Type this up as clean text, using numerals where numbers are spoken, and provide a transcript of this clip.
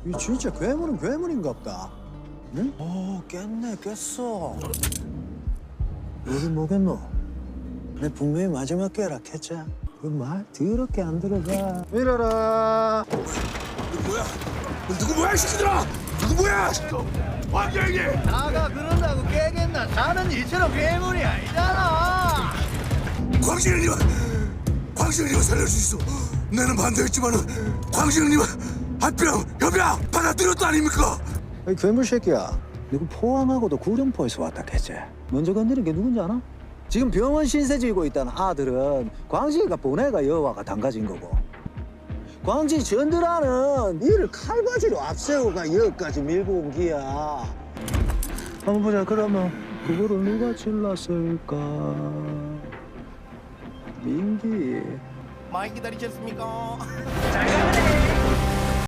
이 진짜 괴물은 괴물인갑다. 응? 깼네, 깼어. 여긴 뭐겠노? 내 분명히 마지막 깨라 했지? 그 말 더럽게 안 들어가. 밀어라. 누구 뭐야? 누구 뭐야, 이 새끼들아! 누구 뭐야! 왕경이! 나가 그런다고 깨겠나? 나는 이처럼 괴물이 아니잖아. 광신형님을 살릴 수 있어. 나는 반대했지만은 광신형님은 합병, 협약 받아들였다 아닙니까? 이 괴물 새끼야. 누구 포항하고도 구룡포에서 왔다 했지? 먼저 건드린 게 누군지 아나? 지금 병원 신세 지고 있다는 아들은 광식이가 보내가 여와가 담가진 거고, 광지 전드라는 이를 칼바지로 앞세우가 여기까지 밀고 온 기야. 한번 보자. 그러면 그거를 누가 질렀을까? 민기. 많이 기다리셨습니까? 잘 가네.